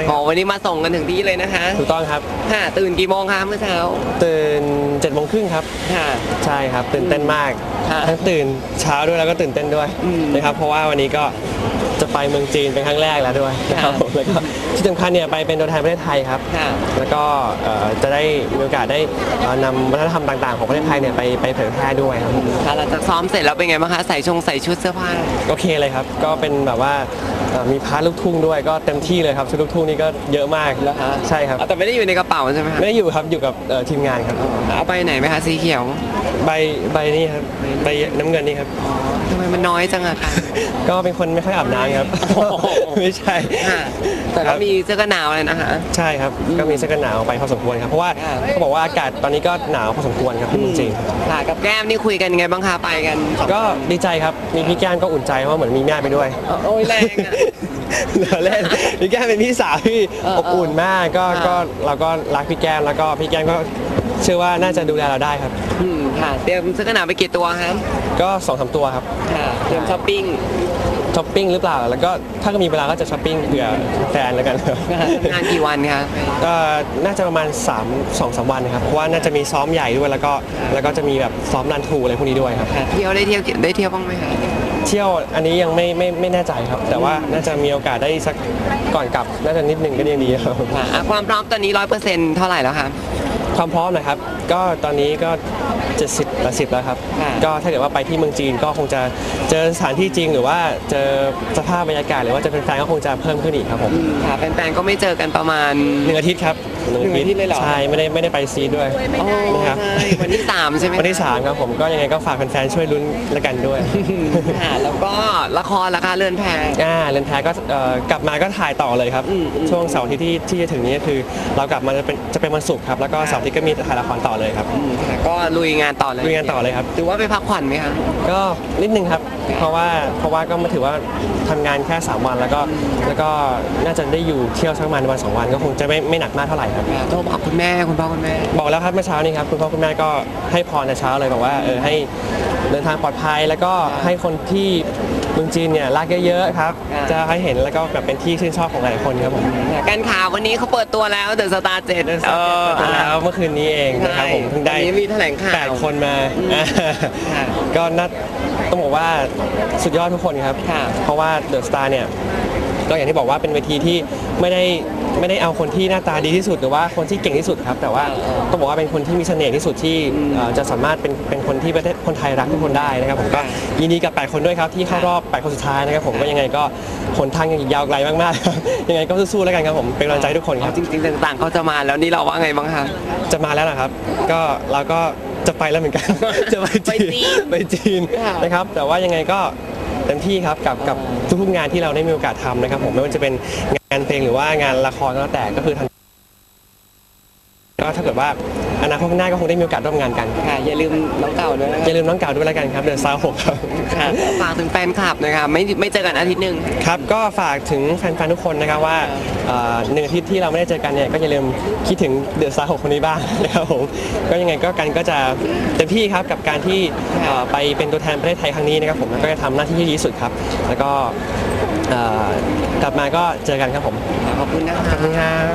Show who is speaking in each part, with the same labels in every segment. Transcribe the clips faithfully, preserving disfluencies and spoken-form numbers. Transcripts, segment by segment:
Speaker 1: อ๋อวันนี้มาส่งกันถึงที่เลยนะคะ
Speaker 2: ถูกต้องครับ
Speaker 1: ค่ะตื่นกี่โมงคะเมื่อเช้า
Speaker 2: ตื่นเจ็ดโมงครึ่งครับ
Speaker 1: ค่ะ
Speaker 2: ใช่ครับตื่นเต้นมากทั้งตื่นเช้าด้วยแล้วก็ตื่นเต้นด้วยนะครับเพราะว่าวันนี้ก็จะไปเมืองจีนเป็นครั้งแรกแล้วด้วยนะครับผมแล้วก็ที่สำคัญเนี่ยไปเป็นตัวแทนประเทศไทยครับแล้วก็จะได้มีโอกาสได้นำวัฒนธรรมต่างๆของประเทศไทยเนี่ยไปไปเผยแพร่ด้วยครับ
Speaker 1: ค่ะหลังจากซ้อมเสร็จแล้วเป็นไงบ้างคะใส่ชงใส่ชุดเสื้อผ้า
Speaker 2: โอเคเลยครับก็เป็นแบบว่ามีพาร์ทลูกทุ่งด้วยก็เต็มที่เลยครับชุดลูกทุ่งนี่ก็เยอะมาก
Speaker 1: แล้วฮะ
Speaker 2: ใช่ครับ
Speaker 1: แต่ไม่ได้อยู่ในกระเป๋าใช่ไหมคะ
Speaker 2: ไม่ได้อยู่ครับอยู่กับทีมงานครับ
Speaker 1: เอาไปไหนไหมคะสีเขียว
Speaker 2: ใบใบนี่ครับใบน้ำเงินนี่ครับ
Speaker 1: ทำไมมันน้อยจังอะคะ
Speaker 2: ก็เป็นคนไม่ค่อยอาบน้ำครับไม่ใช่
Speaker 1: แต่ก็มีเสื้อกันหนาวเลยนะคะ
Speaker 2: ใช่ครับก็มีเสื้อกันหนาวไปพอสมควรครับเพราะว่าเขาบอกว่าอากาศตอนนี้ก็หนาวพอสมควรครับจริง
Speaker 1: ๆค่ะกับแก้มนี่คุยกันไงบ้างคะไปกัน
Speaker 2: ก็ดีใจครับมีพี่แก้มก็อุ่นใจเพราะเหมือนมีแม่ไปด้วย
Speaker 1: โอ้ยแรงอะ
Speaker 2: เราเล่นพี่แก้มเป็นพี่สาวที่อบอุ่นมากก็ก็เราก็รักพี่แก้มแล้วก็พี่แก้มก็เชื่อว่าน่าจะดูแลเราได้ครับ
Speaker 1: อืมค่ะเตรียมเสื้อกันหนาวไปกี่ตัวครับ
Speaker 2: ก็สองสามตัวครับ
Speaker 1: ค่ะเตรียมช้อปปิ้ง
Speaker 2: ช้อปปิ้งหรือเปล่าแล้วก็ถ้าก็มีเวลาก็จะช้อปปิ้งเผื่อแฟนแล้วกัน
Speaker 1: งานกี่วันคะ
Speaker 2: ก็น่าจะประมาณสาม สอง สามวันนะครับเพราะว่าน่าจะมีซ้อมใหญ่ด้วยแล้วก็แล้วก็จะมีแบบซ้อมรันทรูอะไรพวกนี้ด้วยครับ
Speaker 1: เที่ยวได้เที่ยวได้เที่ยวบ้างไหมคะ
Speaker 2: เที่ยวอันนี้ยังไม่ไม่ไม่แน่ใจครับแต่ว่าน่าจะมีโอกาสได้สักก่อนกลับน่าจะนิดนึงก็ยังดีครับ
Speaker 1: ความพร้อมตอนนี้ร้อยเปอร์เซ็นต์เท่าไหร่แล้วคะ
Speaker 2: ความพร้อมนะครับก็ตอนนี้ก็เจ็ดสิบละสิบแล้วครับก็ถ้าเกิดว่าไปที่เมืองจีนก็คงจะเจอสถานที่จริงหรือว่าเจอสภาพบรรยากาศหรือว่าจะเป็นแฟนก็คงจะเพิ่มขึ้นอีกครับผม
Speaker 1: ค่ะแฟนๆก็ไม่เจอกันประมาณ
Speaker 2: หนึ่งอาทิตย์ครับ
Speaker 1: หนึ่งอาทิตย์เลยเหรอ
Speaker 2: ใช่ไม่ได้ไม่ได้ไปซีด้วย
Speaker 1: นะครับวันที่สามใช่ไหม
Speaker 2: วันที่สามครับผมก็ยังไงก็ฝากแฟนๆช่วยลุ้นละกันด้วย
Speaker 1: ค่ะแล้วก็ละครราคาเรือนแพ
Speaker 2: อ่าเรือนแพก็กลับมาก็ถ่ายต่อเลยครับช่วงเสาร์ที่ที่ที่จะถึงนี้คือเรากลับมาจะเป็นจะเป็นวันศุกร์ครับแล้วก็เสาร์ที่ก็มีถ่ายละครต่อเลยครับ
Speaker 1: ก็ลุยงานต่อเลย
Speaker 2: ลุยงานต่อเลยครับ
Speaker 1: ถือว่าไปพักผ่อนไหมคะ
Speaker 2: ก็นิดนึงครับเพราะว่าเพราะว่าก็มาถือว่าทำงานแค่สามวันแล้วก็แล้วก็น่าจะได้อยู่เที่ยวสักประมาณวันสองวันก็คงจะไม่ไม่หนักมากเท่าไหร่ครับ
Speaker 1: โทรบอกคุณแม่คุณพ่อคุณแม่
Speaker 2: บอกแล้วครับเมื่อเช้านี้ครับคุณพ่อคุณแม่ก็ให้พรแต่เช้าเลยบอกว่าเออให้เดินทางปลอดภัยแล้วก็ให้คนที่เมืองจีนเนี่ยรักเยอะๆครับจะให้เห็นแล้วก็แบบเป็นที่ชื่นชอบของหลายคนครับผม
Speaker 1: การข่าววันนี้เขาเปิดตัวแล้วเดอะสตาร์เจ็ด
Speaker 2: เออแล้วเมื่อคืนนี้เองนะครับผมเพิ่งได้
Speaker 1: มีแถลงข่าว
Speaker 2: แปดคนมาก็น่าต้องบอกว่าสุดยอดทุกคนครับเพราะว่าเดอะสตาร์เนี่ยก็อย่างที่บอกว่าเป็นเวทีที่ไม่ได้ไม่ได้เอาคนที่หน้าตาดีที่สุดหรือว่าคนที่เก่งที่สุดครับแต่ว่าต้องบอกว่าเป็นคนที่มีเสน่ห์ที่สุดที่จะสามารถเป็นเป็นคนที่ประเทศคนไทยรักทุกคนได้นะครับผมก็ยินดีกับแปดคนด้วยครับที่เข้ารอบแปดคนสุดท้ายนะครับผมก็ยังไงก็หนทางยังอีกยาวไกลมากๆยังไงก็สู้ๆแล้วกันครับผมเป็นกำลังใจทุกคนครับ
Speaker 1: จริงๆต่างๆเขาจะมาแล้วนี่เราว่าไงบ้างคะ
Speaker 2: จะมาแล้วนะครับก็เราก็จะไปแล้วเหมือนกันจะไปจีนไปจีนนะครับแต่ว่ายังไงก็เต็มที่ครับกับกับทุกๆงานที่เราได้มีโอกาสทำนะครับผมไม่ว่าจะเป็นงานเพลงหรือว่างานละครก็แล้วแต่ก็คือทันก็ถ้าเกิดว่าอนาคตข้างหน้าก็คงได้มีโอกาสร่วมงานกัน
Speaker 1: ค่ะอย่าลืมน้องเก่าด้วย
Speaker 2: อย่าลืมน้องเก่าด้วยแล้วกันครับเดือนซาวหกครับ
Speaker 1: ค่ะฝากถึงแฟนคลับนะครับไม่ไม่เจอกันอาทิตย์หนึ่ง
Speaker 2: ครับก็ฝากถึงแฟนๆทุกคนนะครับว่าหนึ่งอาทิตย์ที่เราไม่ได้เจอกันเนี่ยก็อย่าลืมคิดถึงเดือนซาวหกคนนี้บ้างนะครับผมก็ยังไงก็กันก็จะเต็มที่ครับกับการที่ไปเป็นตัวแทนประเทศไทยครั้งนี้นะครับผมก็จะทำหน้าที่ที่ดีที่สุดครับแล้วก็กลับมาก็เจอกันครับผม
Speaker 1: ขอบคุณนะครับ
Speaker 2: ขอบคุณครับ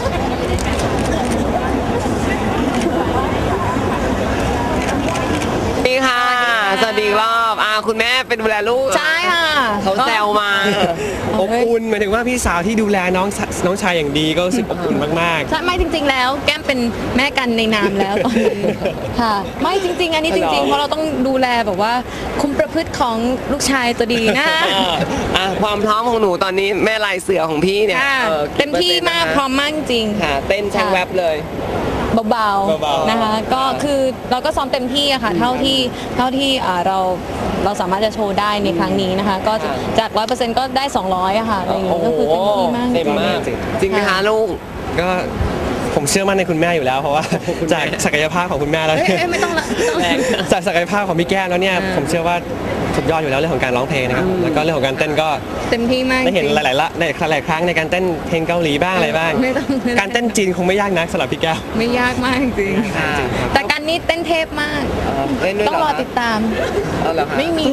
Speaker 1: นี่ค่ะสวัสดีรอบอ่าคุณแม่เป็นดูแลลูก
Speaker 3: ใช่ค่ะ
Speaker 1: เขาแซวมา
Speaker 2: อบอุ่นหมายถึงว่าพี่สาวที่ดูแลน้องน้องชายอย่างดีก็รู้สึกอบอุ่นมาก
Speaker 3: ๆใช่ไม่จริงๆแล้วแก้มเป็นแม่กันในนามแล้วตอนนี้ค่ะไม่จริงๆอันนี้จริงๆเพราะเราต้องดูแลแบบว่าคุมประพฤติของลูกชายตัวดีนะ
Speaker 1: อ่ะความพร้อมของหนูตอนนี้แม่ลายเสือของพี่เนี่ย
Speaker 3: เต็มที่มากพร้อมมากจริง
Speaker 1: ค่ะเต้นช่างแวบเลย
Speaker 3: เบาๆนะคะก็คือเราก็ซ้อมเต็มที่อะค่ะเท่าที่เท่าที่เราเราสามารถจะโชว์ได้ในครั้งนี้นะคะก็จากร้อยเปอร์เซ็นต์ก็ได้สองร้อยอะค่ะอะไรอย่างนี้ก็คือเต็มที่มาก
Speaker 1: เต็มมากจริงไหมคะลูก
Speaker 2: ก็ผมเชื่อมั่นในคุณแม่อยู่แล้วเพราะว่าจากศักยภาพของคุณแม่แล้ว
Speaker 3: ไม่ต้องละ
Speaker 2: จากศักยภาพของพี่แก้มแล้วเนี่ยผมเชื่อว่าสุดยอดอยู่แล้วเรื่องของการร้องเพลงนะครับผมแล้วก็เรื่องของการเต้นก็
Speaker 3: เต็มที่มาก
Speaker 2: ได้เห็น
Speaker 3: จริง
Speaker 2: หลายๆละหลายๆครั้งในการเต้นเพลงเกาหลีบ้างอะไรบ้าง
Speaker 3: ไม่ต้องไม่ต้อง
Speaker 2: การเต้นจีนคงไม่ยากนักสำหรับพี่แก้ว
Speaker 3: ไม่ยากมากจริง
Speaker 1: ค่ะ
Speaker 3: แต่การนี้เต้นเทพมาก
Speaker 1: เล่นด้วย
Speaker 3: ต้อง
Speaker 1: เห
Speaker 3: รอ
Speaker 1: คะ
Speaker 3: ติดตาม
Speaker 1: เอาเหรอคะ
Speaker 3: ไม่มี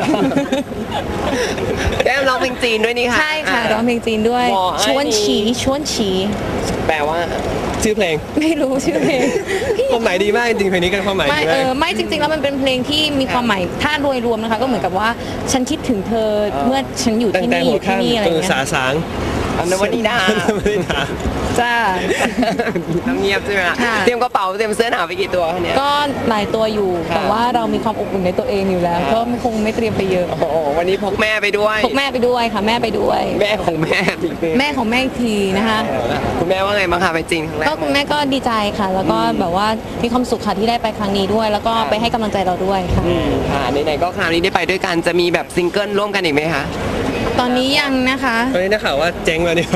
Speaker 1: แก้มร้องเพลงจีนด้วยนี่ค่ะ
Speaker 3: ใช่ค่ะร้องเพลงจีนด้วย
Speaker 1: หมอไอ้
Speaker 3: ชวนฉีชวนฉี
Speaker 1: แปลว่า
Speaker 2: ชื่อเพลง
Speaker 3: ไม่รู้ชื่อเพลง
Speaker 2: ความหมายดีมากจริงๆเพลงนี้กันความหมาย
Speaker 3: ไม่
Speaker 2: ดี
Speaker 3: เอ
Speaker 2: มาก
Speaker 3: อไม่จริงๆแล้วมันเป็นเพลงที่มีความหมายถ้าโดยรวมนะคะ ก็เหมือนกับว่าฉันคิดถึงเธอเมื่อฉันอยู่
Speaker 2: ตั้ง
Speaker 3: ที่
Speaker 2: แต่
Speaker 3: นี่อ
Speaker 2: หัว
Speaker 3: ยู่ที่
Speaker 2: ค่ำ
Speaker 3: นี่อะไร
Speaker 2: จน
Speaker 3: เงี้
Speaker 2: สาย สาง
Speaker 1: อันนวันนี้ดา
Speaker 2: ไม่ได้ถาม
Speaker 3: จ้า
Speaker 1: น้ำเงียบใช่ไหมคะ
Speaker 3: ค่ะ
Speaker 1: เตรียมกระเป๋าเตรียมเสื้อหนาวไปกี่ตัวคะเนี่ย
Speaker 3: ก็หลายตัวอยู่
Speaker 1: ค่ะ
Speaker 3: แต่ว่าเรามีความอบอุ่นในตัวเองอยู่แล้ว
Speaker 1: ค่ะ
Speaker 3: ก็ไม่คงไม่เตรียมไปเยอะ
Speaker 1: โอ้โหวันนี้พกแม่ไปด้วย
Speaker 3: พกแม่ไปด้วยค่ะแม่ไปด้วย
Speaker 1: แม่ของแม่จริงๆ
Speaker 3: แม่ของแม่อีกทีนะคะ
Speaker 1: คุณแม่ว่าไงบ้างคะไปจีนครั้งแรก
Speaker 3: ก็คุณแม่ก็ดีใจค่ะ แล้วก็แบบว่ามีความสุขค่ะที่ได้ไปครั้งนี้ด้วย แล้วก็ไปให้กำลังใจเราด้วยค่ะ
Speaker 1: อืมค่ะไหนๆก็คราวนี้ได้ไปด้วยกันจะมีแบบซิงเกิลร่วมกันอีกไหมคะ
Speaker 3: ตอนนี้ยังนะคะ
Speaker 2: ตอนนี้ได้ข่าวว่าเจ๊งแล้วเนี่ย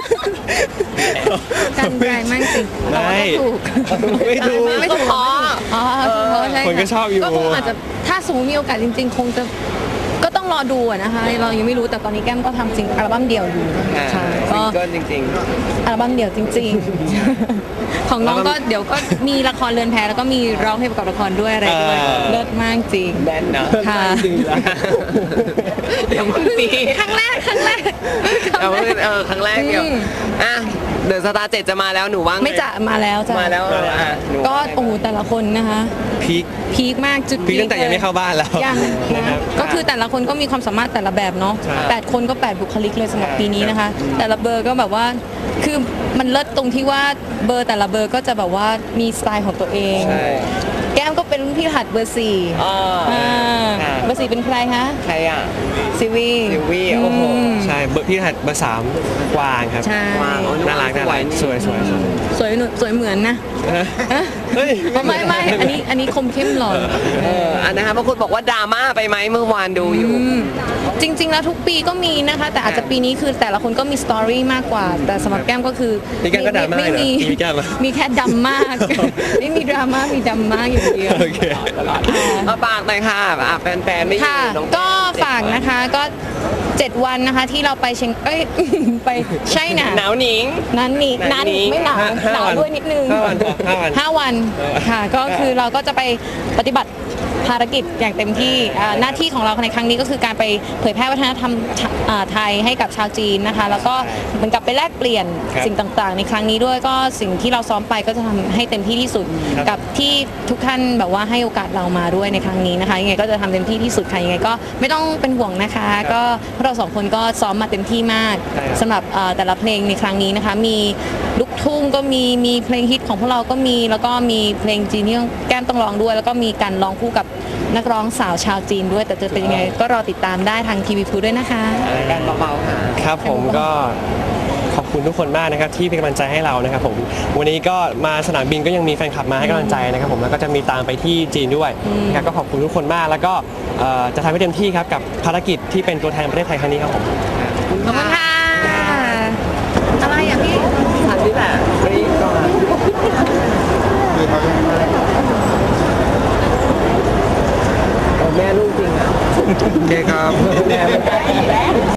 Speaker 3: กันใจมากจริง
Speaker 2: ไม่
Speaker 3: แต่ว่าก็ถูก
Speaker 2: ไม่ถูก
Speaker 3: ไม่ถูกอ๋ออ๋อถูกใช่
Speaker 2: คนก็ชอบอยู่
Speaker 3: ก็คงอาจจะถ้าสมมติมีโอกาสจริง ๆ คงจะก็ต้องรอดูอะนะคะ เรายังไม่รู้แต่ตอนนี้แก้มก็ทำจริงอัลบั้มเดี่ยวอยู่
Speaker 1: ค่ะ
Speaker 3: ใช่
Speaker 1: ซิ
Speaker 3: ก็
Speaker 1: งเกิลจริง
Speaker 3: อัลบั้มเดี่ยวจริง ๆ ของน้องก็เดี๋ยวก็มีละครเรือนแพแล้วก็มีร้องเพลงประกอบละครด้วยอะไรด้วย
Speaker 2: อ่า
Speaker 3: เลิศมากจริง
Speaker 1: ๆแน่นเนอะ
Speaker 3: ค่ะ
Speaker 2: จริงแล้ว
Speaker 1: เดี๋ยวมึงปี
Speaker 3: ครั้งแรกครั้งแรก
Speaker 1: เอาเพิ่งเออครั้งแรกเดียว
Speaker 3: อืม
Speaker 1: อ่ะเดอะสตาร์เจ็ดจะมาแล้วหนูว่าง
Speaker 3: ไม่จะมาแล้วจ้ะ
Speaker 1: มาแล้วอ่ะหนู
Speaker 3: ก็
Speaker 1: ว่าไง
Speaker 3: โอ้โหแต่ละคนนะคะ
Speaker 2: พีค
Speaker 3: พีคมากจุด
Speaker 2: พีคตั้งแต่ยังไม่เข้าบ้านแล้ว
Speaker 3: ยัง
Speaker 2: นะ
Speaker 3: นะครับ ก็คือแต่ละคนก็มีความสามารถแต่ละแบบเนาะ
Speaker 2: ใช่
Speaker 3: แปดคนก็แปดบุคลิกเลยสำหรับปีนี้นะคะ แต่ละเบอร์ก็แบบว่าคือมันเลิศตรงที่ว่าเบอร์แต่ละเบอร์ก็จะแบบว่ามีสไตล์ของตัวเอง
Speaker 1: ใช่
Speaker 3: แก้มก็เป็นรุ่นพี่รหัสเบอร์สี่
Speaker 1: อ่า
Speaker 3: อ่า
Speaker 1: ค่ะ
Speaker 3: เบอร์สี่เป็นใครคะ
Speaker 1: ใครอ่ะ
Speaker 3: ซิวี
Speaker 1: ซิวีโอ้โห
Speaker 3: ม
Speaker 2: ใช่เบอร์พี่หัดเบอร์สามกวางครับ
Speaker 3: ใช่
Speaker 1: กวางอ๋อ
Speaker 2: น่ารักน่ารักสวยสวยสวย
Speaker 3: สวยหนูสวยเหมือนนะ
Speaker 2: เฮ้ย
Speaker 3: ไม่ไม่อันนี้อันนี้คมเข้มหล่อ
Speaker 1: เอออันนะคะบางคนบอกว่าดราม่าไปไหมเมื่อวานดูอยู่
Speaker 3: อืมจริง ๆ แล้วทุกปีก็มีนะคะ แต่อาจจะปีนี้คือแต่ละคนก็มีสตอรี่มากกว่า แต่สำหรับแก้มก็คือ
Speaker 2: มีแก้มก็ดราม่า
Speaker 3: ไม่
Speaker 2: เหรอ
Speaker 3: มี
Speaker 2: มีแก้มอะ
Speaker 3: มีแค่ดำมาก ไม่มีดราม่ามีดำมากอย่างเดียว
Speaker 2: โอเค
Speaker 1: เอาปากหน่อยค่ะอ่ะแฟนๆไม่อยู่
Speaker 3: ค่ะ
Speaker 1: น้อง
Speaker 3: ก็ฝากนะคะก็เจ็ดวันนะคะที่เราไปเชียงเอ้ย ไปใช่น่ะ
Speaker 1: หนาวหนิง
Speaker 3: นั้นนี่
Speaker 1: หนาว
Speaker 3: นั้น
Speaker 1: นี้
Speaker 3: ไม่หนาว
Speaker 2: ห้าห้า
Speaker 3: หนาว
Speaker 2: วัน
Speaker 3: ด้วยนิดนึง
Speaker 2: ห้าวันห้าวัน
Speaker 3: ห้าวันค่ะก็คือเราก็จะไปปฏิบัติภารกิจอย่างเต็มที่อ่าหน้าที่ของเราในครั้งนี้ก็คือการไปเผยแพร่วัฒนธรรมอ่าไทยให้กับชาวจีนนะคะ แล้วก็เหมือนกับไปแลกเปลี่ยน
Speaker 2: ครับ
Speaker 3: สิ่งต่างๆ ในครั้งนี้ด้วยก็สิ่งที่เราซ้อมไปก็จะทำให้เต็มที่ที่สุด
Speaker 2: ครับ
Speaker 3: กับที่ทุกท่านแบบว่าให้โอกาสเรามาด้วยในครั้งนี้นะคะยังไงก็จะทำเต็มที่ที่สุดค่ะยังไงก็ไม่ต้องเป็นห่วงนะคะ ก็พวกเราสองคนก็ซ้อมมาเต็มที่มาก
Speaker 2: ใช่ครับ
Speaker 3: สำหรับเอ่อแต่ละเพลงในครั้งนี้นะคะ มีลูกทุ่งก็มีมีเพลงฮิตของพวกเราก็มีแล้วก็มีเพลงจีนที่แก้มต้องร้องด้วย แล้วก็มีการร้องคู่กับนักร้องสาวชาวจีนด้วย แต่จะเป็นยังไงก็รอติดตามได้ทางทีวีพูด้วยนะคะ
Speaker 1: การเบาๆค่ะ
Speaker 2: ครับผมก็ขอบคุณทุกคนมากนะครับที่เป็นกำลังใจให้เรานะครับผมวันนี้ก็มาสนามบินก็ยังมีแฟนคลับมาให้กำลังใจนะครับผมแล้วก็จะมีตามไปที่จีนด้วยนะครับก็ขอบคุณทุกคนมากแล้วก็เอ่อจะทำให้เต็มที่ครับกับภารกิจที่เป็นตัวแทนประเทศไทยครั้งนี้ครับผม
Speaker 3: ขอบคุณค่ะ อะไรอ่ะพี่
Speaker 1: อันนี้แหละวันนี้ก่อนโอ้แม่ลูกจริงอ่ะ
Speaker 2: โอเคครับ